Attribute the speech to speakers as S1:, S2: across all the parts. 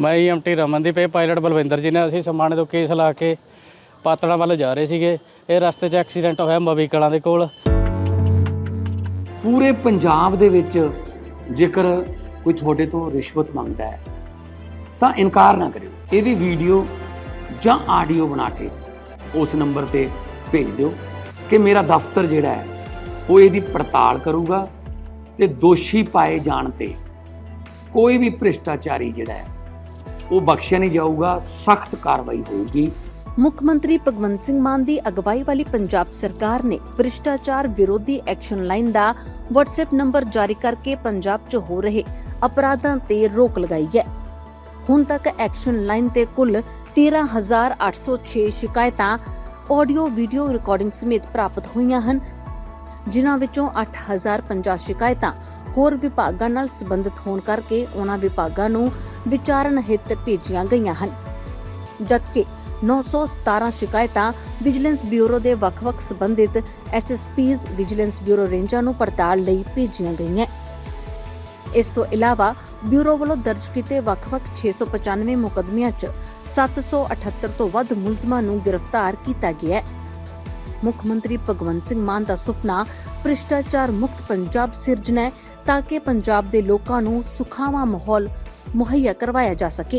S1: ਮੈਂ EMT ਰਮਨਦੀਪ ਇਹ pilot Balwinder ਜੀ ਨੇ ਅਸੀਂ ਸਮਾਣੇ ਤੋਂ ਕੇਸ ਲਾ ਕੇ ਪਾਤੜਾ ਵੱਲ ਜਾ ਰਹੇ ਸੀਗੇ। ਇਹ ਰਸਤੇ 'ਚ ਐਕਸੀਡੈਂਟ ਹੋਇਆ ਮਵੀ ਕਲਾਂ ਦੇ ਕੋਲ।
S2: ਪੂਰੇ ਪੰਜਾਬ ਦੇ ਵਿੱਚ ਜੇਕਰ ਕੋਈ ਤੁਹਾਡੇ ਤੋਂ ਰਿਸ਼ਵਤ ਮੰਗਦਾ ਹੈ ਤਾਂ ਇਨਕਾਰ ਨਾ ਕਰਿਓ। ਇਹਦੀ ਵੀਡੀਓ ਜਾਂ ਆਡੀਓ ਬਣਾ ਕੇ ਉਸ ਨੰਬਰ ਤੇ ਭੇਜ ਦਿਓ ਕਿ ਮੇਰਾ ਦਫ਼ਤਰ ਜਿਹੜਾ ਹੈ ਉਹ ਇਹਦੀ ਪੜਤਾਲ ਕਰੂਗਾ ਤੇ ਦੋਸ਼ੀ ਪਾਏ ਜਾਣ ਤੇ ਕੋਈ ਵੀ ਭ੍ਰਿਸ਼ਟਾਚਾਰੀ ਜਿਹੜਾ ਹੈ ਉਹ ਬਖਸ਼ਿਆ ਨਹੀਂ ਜਾਊਗਾ, ਸਖਤ ਕਾਰਵਾਈ ਹੋਊਗੀ।
S3: ਮੁੱਖ ਮੰਤਰੀ ਭਗਵੰਤ ਸਿੰਘ ਮਾਨ ਦੀ ਅਗਵਾਈ ਵਾਲੀ ਪੰਜਾਬ ਸਰਕਾਰ ਨੇ ਭ੍ਰਿਸ਼ਟਾਚਾਰ ਵਿਰੋਧੀ ਐਕਸ਼ਨ ਲਾਈਨ ਦਾ WhatsApp ਨੰਬਰ ਜਾਰੀ ਕਰਕੇ ਪੰਜਾਬ 'ਚ ਹੋ ਰਹੇ ਅਪਰਾਧਾਂ ਤੇ ਰੋਕ ਲਗਾਈ ਹੈ। ਹੁਣ ਤੱਕ ਐਕਸ਼ਨ ਲਾਈਨ ਤੇ ਕੁੱਲ 13,806 ਸ਼ਿਕਾਇਤਾਂ ਆਡੀਓ ਵੀਡੀਓ ਰਿਕਾਰਡਿੰਗ ਸਮੇਤ ਪ੍ਰਾਪਤ ਹੋਈਆਂ ਹਨ, ਜਿਨ੍ਹਾਂ ਵਿੱਚੋਂ 8,050 ਸ਼ਿਕਾਇਤਾਂ ਹੋਰ ਵਿਭਾਗਾਂ ਨਾਲ ਸੰਬੰਧਿਤ ਹੋਣ ਕਰਕੇ ਉਹਨਾਂ ਵਿਭਾਗਾਂ ਨੂੰ ਵਿਚਾਰਨ ਹਿੱਤ ਭੇਜੀਆਂ ਗਈਆਂ ਹਨ, ਜਦਕਿ 917 ਸ਼ਿਕਾਇਤਾਂ ਵਿਜੀਲੈਂਸ ਬਿਊਰੋ ਦੇ ਵੱਖ-ਵੱਖ ਸੰਬੰਧਿਤ SSPs ਵਿਜੀਲੈਂਸ ਬਿਊਰੋ ਰੇਂਜਾਂ ਨੂੰ ਪੜਤਾਲ ਲਈ ਭੇਜੀਆਂ ਗਈਆਂ। ਇਸ ਤੋਂ ਇਲਾਵਾ ਬਿਊਰੋ ਵੱਲੋਂ ਦਰਜ ਕੀਤੇ ਵੱਖ-ਵੱਖ 695 ਮੁਕੱਦਮਿਆਂ 'ਚ 778 ਤੋਂ ਵੱਧ ਮੁਲਜ਼ਮਾਂ ਨੂੰ ਗ੍ਰਿਫਤਾਰ ਕੀਤਾ ਗਿਆ ਹੈ। ਮੁੱਖ ਮੰਤਰੀ ਭਗਵੰਤ ਸਿੰਘ ਮਾਨ ਦਾ ਸੁਪਨਾ ਭ੍ਰਿਸ਼ਟਾਚਾਰ ਮੁਕਤ ਪੰਜਾਬ ਸਿਰਜਣਾ ਹੈ ਤਾਂ ਕਿ ਪੰਜਾਬ ਦੇ ਲੋਕਾਂ ਨੂੰ ਸੁਖਾਵਾਂ ਮਾਹੌਲ ਮੁਹੱਈਆ ਕਰਵਾਇਆ ਜਾ ਸਕੇ।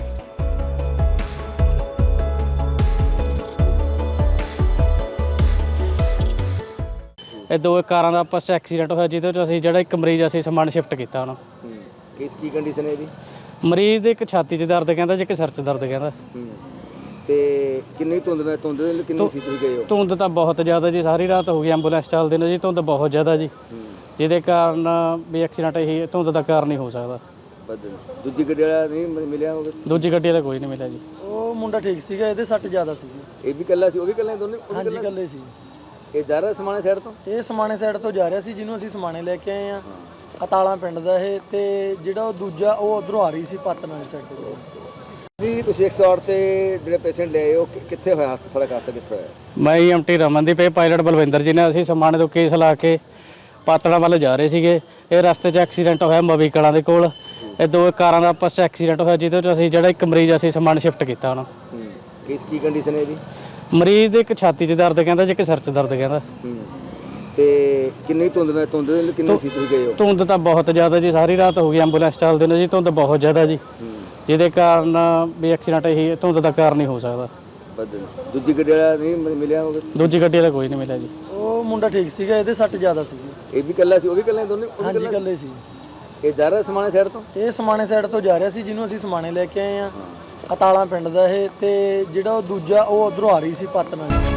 S1: ਇਹ ਦੋ ਕਾਰਾਂ ਦਾ ਆਪਸ 'ਚ ਐਕਸੀਡੈਂਟ ਹੋਇਆ, ਜਿਹਦੇ 'ਚ ਅਸੀਂ ਜਿਹੜਾ ਇੱਕ ਮਰੀਜ਼ ਅਸੀਂ ਸਮਾਨ ਸ਼ਿਫਟ ਕੀਤਾ ਹੁਣ।
S4: ਕੀ ਕੰਡੀਸ਼ਨ ਹੈ ਇਹਦੀ?
S1: ਮਰੀਜ਼ ਦੇ ਇੱਕ ਛਾਤੀ 'ਚ ਦਰਦ ਕਹਿੰਦਾ, ਜੇ ਇੱਕ ਸਿਰ 'ਚ ਦਰਦ ਕਹਿੰਦਾ।
S4: ਤੇ ਕਿੰਨੀ ਧੁੰਦ ਕਿੰਨੀ ਸੀ ਤੁਸੀਂ ਗਏ ਹੋ?
S1: ਧੁੰਦ ਤਾਂ ਬਹੁਤ ਜ਼ਿਆਦਾ ਜੀ, ਸਾਰੀ ਰਾਤ ਹੋ ਗਈ ਐਂਬੂਲੈਂਸ ਚੱਲਦੇ ਨੇ ਜੀ। ਧੁੰਦ ਬਹੁਤ ਜ਼ਿਆਦਾ ਜੀ, ਜਿਹਦੇ ਕਾਰਨ ਵੀ ਐਕਸੀਡੈਂਟ ਇਹੀ ਧੁੰਦ ਦਾ ਕਾਰਨ ਹੀ ਹੋ ਸਕਦਾ।
S4: ਦੂਜੀ ਗੱਡੀ ਵਾਲਾ ਨਹੀਂ ਮਿਲਿਆ ਹੋਵੇ?
S1: ਦੂਜੀ ਗੱਡੀ ਦਾ ਕੋਈ ਨਹੀਂ ਮਿਲਿਆ ਜੀ।
S5: ਉਹ ਮੁੰਡਾ ਠੀਕ ਸੀਗਾ, ਇਹਦੇ ਸੱਟ ਜ਼ਿਆਦਾ ਸੀ।
S4: ਇਹ ਵੀ ਇਕੱਲਾ ਸੀ, ਉਹ ਵੀ ਇਕੱਲਾ, ਦੋਨੇ?
S5: ਹਾਂਜੀ ਇਕੱਲੇ ਸੀ।
S4: ਇਹ ਜਾ ਰਿਹਾ ਸਮਾਣੇ ਸਾਈਡ ਤੋਂ?
S5: ਇਹ ਸਮਾਣੇ ਸਾਈਡ ਤੋਂ ਜਾ ਰਿਹਾ ਸੀ, ਜਿਹਨੂੰ ਅਸੀਂ ਸਮਾਣੇ ਲੈ ਕੇ ਆਏ ਆ। ਅਤਾਲਾ ਪਿੰਡ ਦਾ ਇਹ, ਤੇ ਜਿਹੜਾ ਉਹ ਦੂਜਾ ਉਹ ਉਧਰੋਂ ਆ ਰਹੀ ਸੀ ਪਾਤਨ ਵਾਲੀ ਸਾਈਡ ਤੋਂ।
S4: ਜੀ ਤੁਸੀਂ 108 ਤੇ ਜਿਹੜੇ ਪੇਸ਼ੈਂਟ ਲੈ ਆਏ ਉਹ ਕਿੱਥੇ ਹੋਇਆ ਹਾਦਸਾ? ਸੜਕ ਹਾਦਸਾ ਕਿੱਥੇ ਹੋਇਆ?
S1: ਮੈਂ EMT ਰਮਨਦੀਪ ਇਹ ਪਾਇਲਟ ਬਲਵਿੰਦਰ ਜੀ ਨੇ ਅਸੀਂ ਸਮਾਣੇ ਤੋਂ ਕੇਸ ਲਾ ਕੇ ਪਾਤੜਾ ਵੱਲ ਜਾ ਰਹੇ ਸੀਗੇ। ਇਹ ਰਸਤੇ 'ਚ ਐਕਸੀਡੈਂਟ ਹੋਇਆ ਮਵੀ ਕਲਾਂ ਦੇ ਕੋਲ। ਇਹ ਦੋ ਕਾਰਾਂ ਦਾ ਆਪਸ 'ਚ ਐਕਸੀਡੈਂਟ ਹੋਇਆ, ਜਿਹਦੇ 'ਚ ਅਸੀਂ ਜਿਹੜਾ ਇੱਕ ਮਰੀਜ਼ ਅਸੀਂ ਸਮਾਨ ਸ਼ਿਫਟ ਕੀਤਾ ਹੁਣ।
S4: ਕੀ ਕੰਡੀਸ਼ਨ ਹੈ ਇਹਦੀ?
S1: ਮਰੀਜ਼ ਦੇ ਇੱਕ ਛਾਤੀ 'ਚ ਦਰਦ ਕਹਿੰਦਾ, ਜੇ ਇੱਕ ਸਿਰ 'ਚ ਦਰਦ ਕਹਿੰਦਾ।
S4: ਤੇ ਕਿੰਨੀ ਧੁੰਦ ਕਿੰਨੀ ਸੀ ਤੁਸੀਂ ਗਏ ਹੋ?
S1: ਧੁੰਦ ਤਾਂ ਬਹੁਤ ਜ਼ਿਆਦਾ ਜੀ, ਸਾਰੀ ਰਾਤ ਹੋ ਗਈ ਐਂਬੂਲੈਂਸ ਚੱਲਦੇ ਨੇ ਜੀ। ਧੁੰਦ ਬਹੁਤ ਜ਼ਿਆਦਾ ਜੀ, ਜਿਹਦੇ ਕਾਰਨ ਵੀ ਐਕਸੀਡੈਂਟ ਇਹੀ ਧੁੰਦ ਦਾ ਕਾਰਨ ਹੀ ਹੋ ਸਕਦਾ।
S4: ਦੂਜੀ ਗੱਡੀ ਵਾਲਾ ਨਹੀਂ ਮਿਲਿਆ ਹੋਵੇ?
S1: ਦੂਜੀ ਗੱਡੀ ਦਾ ਕੋਈ ਨਹੀਂ ਮਿਲਿਆ ਜੀ।
S5: ਉਹ ਮੁੰਡਾ ਠੀਕ ਸੀਗਾ, ਇਹਦੇ ਸੱਟ ਜ਼ਿਆਦਾ ਸੀ।
S4: ਇਹ ਵੀ ਇਕੱਲਾ ਸੀ, ਉਹ ਵੀ ਇਕੱਲਾ, ਦੋਨੇ?
S5: ਹਾਂਜੀ ਇਕੱਲੇ ਸੀ।
S4: ਇਹ ਜਾ ਰਿਹਾ ਸਮਾਣੇ ਸਾਈਡ ਤੋਂ?
S5: ਇਹ ਸਮਾਣੇ ਸਾਈਡ ਤੋਂ ਜਾ ਰਿਹਾ ਸੀ, ਜਿਹਨੂੰ ਅਸੀਂ ਸਮਾਣੇ ਲੈ ਕੇ ਆਏ ਆ। ਅਤਾਲਾ ਪਿੰਡ ਦਾ ਇਹ, ਤੇ ਜਿਹੜਾ ਉਹ ਦੂਜਾ ਉਹ ਉਧਰੋਂ ਆ ਰਹੀ ਸੀ ਪਾਤਨ ਵਾਲੀ।